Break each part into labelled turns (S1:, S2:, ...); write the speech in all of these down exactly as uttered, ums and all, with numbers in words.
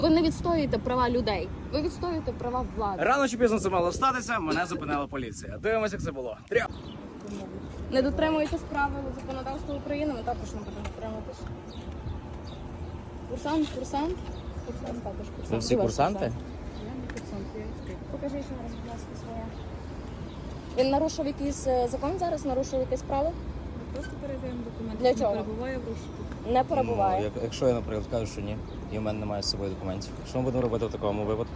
S1: Ви не відстоюєте права людей, ви відстоюєте права влади.
S2: Рано чи пізно це мало статися, мене зупинила поліція. Дивимося, як це було. Тря!
S1: Не дотримуєтесь правил законодавства України, ми також не будемо дотримуватись. Курсант, курсант. Курсант також курсант.
S3: Ви всі курсанти?
S1: Я не курсант, я відкрив. Покажи ще раз, будь ласка, своє. Він нарушив якийсь е, закон зараз, нарушив якесь право?
S4: Просто передаємо документи.
S1: Для чого?
S4: Не перебуває в розшуку.
S1: Не перебуває.
S3: Ну, як, якщо я, наприклад, кажу, що ні, і в мене немає з собою документів. Що ми будемо робити в такому випадку?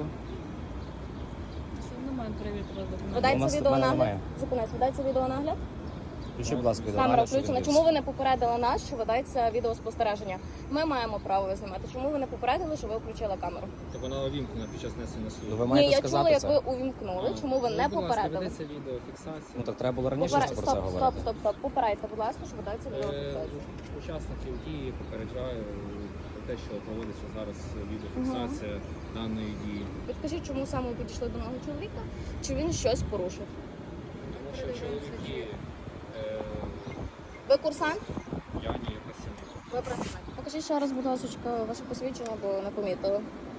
S4: Що не маємо перевірити вас документи?
S3: У
S1: Видається
S3: нас- в мене
S1: відеонагляд?
S3: немає.
S1: Зупинись, видається відеонагляд?
S3: Включи, будь ласка,
S1: Камера
S3: відеонагляд, що
S1: включена.
S3: він
S1: Чому ви не попередили нас, що ведеться відеоспостереження? Ми маємо право знімати. Чому ви не попередили, що ви включили камеру?
S5: Так вона увімкнена під час несення
S3: Ну,
S5: служби.
S3: ви
S1: Ні,
S3: маєте
S1: я
S3: сказати
S1: чула, як
S3: це.
S1: ви увімкнули. Чому ви не
S5: Будь ласка,
S1: попередили?
S5: ведеться відеофіксація.
S3: Ну так треба було раніше
S1: Поперед...
S3: про
S1: Стоп,
S3: це
S1: стоп,
S3: говорити.
S1: стоп, стоп. Попередьте, будь ласка, що ведеться
S5: Е,
S1: відеофіксація.
S5: Учасників дії попереджаю про те, що проводиться зараз відеофіксація даної дії.
S1: Підкажіть, чому саме ви підійшли до мого чоловіка? Чи він щось порушив?
S5: Тому що чоловіки, е,
S1: Ви курсант?
S5: я ні, працівник.
S1: Ви працівник. Покажіть ще раз, будь ласка, ваше посвідчення, бо не помітили.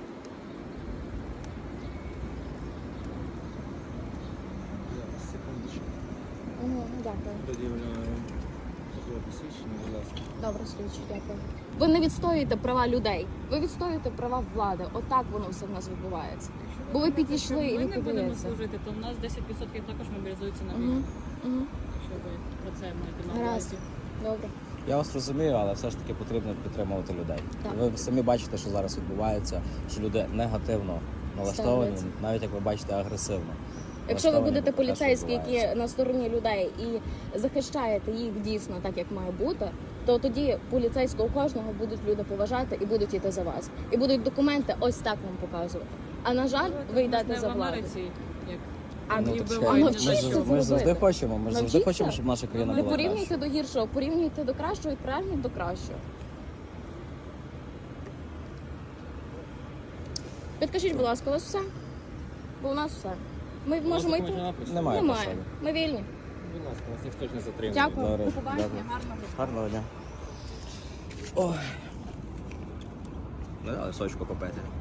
S5: Зараз, секундочку.
S1: Угу, дякую.
S5: Пред'являю службове посвідчення, будь ласка.
S1: Добре, слідчі, дякую. Ви не відстоюєте права людей, ви відстоюєте права влади. Отак воно все в нас відбувається. Бо ви підійшли і
S4: Ми
S1: ви
S4: не будемо
S1: подаєте.
S4: служити, то в нас десять відсотків також мобілізуються на
S1: Угу.
S4: війну.
S1: Угу.
S4: Якщо ви про це маєте на
S1: Гаразд.
S4: увазі.
S1: Добре.
S3: Я вас розумію, але все ж таки потрібно підтримувати людей.
S1: Так.
S3: Ви самі бачите, що зараз відбувається, що люди негативно налаштовані,
S1: Ставляться.
S3: навіть як ви бачите, агресивно.
S1: Якщо ви
S3: налаштовані
S1: будете
S3: до те, що
S1: поліцейські,
S3: відбувається.
S1: які на стороні людей і захищаєте їх дійсно так, як має бути, то тоді поліцейського кожного будуть люди поважати і будуть йти за вас. І будуть документи ось так вам показувати. А на жаль, ви йдете за
S4: в
S1: владу.
S4: Америці, як
S1: А
S3: Ну,
S4: і
S3: так
S4: вбивають
S3: чекай, ми,
S1: навчіться
S3: ж-
S1: це
S3: ми ж завжди
S1: робити.
S3: хочемо, ми ж завжди
S1: Навчіться.
S3: хочемо, щоб наша країна
S1: Не
S3: була
S1: порівнюйте
S3: кращою.
S1: до гіршого, порівнюйте до кращого і прагніть до кращого. Підкажіть, будь ласка, у вас все? Бо у нас все. Ми можемо йти?
S3: Немає
S1: Немає.
S3: посади.
S1: Ми вільні.
S5: Будь ласка, вас ніхто ж не затримує.
S1: Дякую.
S3: Добре,
S1: До побачення.
S3: дякую.
S1: Гарного дня.
S3: Гарного дня. Ой. Не дали сочку попити.